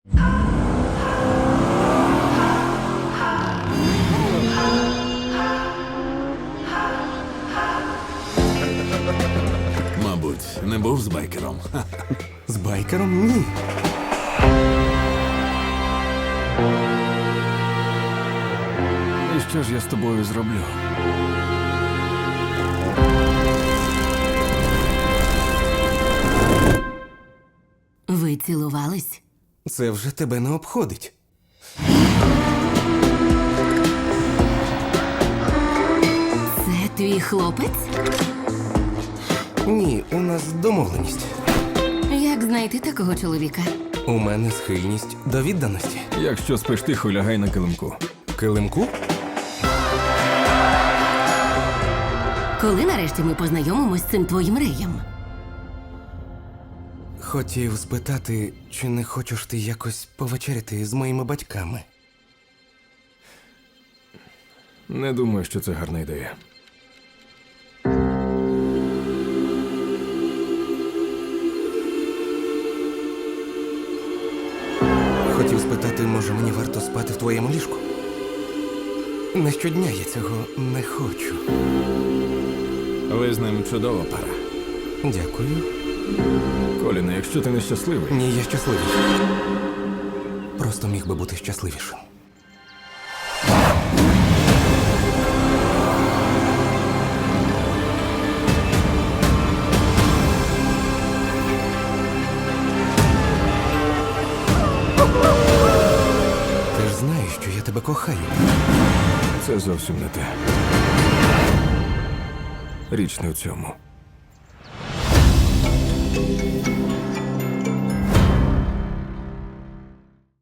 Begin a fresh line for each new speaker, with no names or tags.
Мабуть, не був з байкером.
З байкером? Ні.
І що ж я з тобою зроблю?
Ви цілувались?
Це вже тебе не обходить.
Це твій хлопець?
Ні, у нас домовленість.
Як знайти такого чоловіка?
У мене схильність до відданості.
Якщо спиш тихо, лягай на килимку.
Килимку?
Коли нарешті ми познайомимось з цим твоїм реєм?
Хотів спитати, чи не хочеш ти якось повечеряти з моїми батьками?
Не думаю, що це гарна ідея.
Хотів спитати, може мені варто спати в твоєму ліжку? Не щодня я цього не хочу.
Ви з ним чудова пара.
Дякую.
Коліне, якщо ти нещасливий,
Ні, я щасливий. Просто міг би бути щасливішим. Ти ж знаєш, що я тебе кохаю.
це зовсім не те. Річ не в цьому.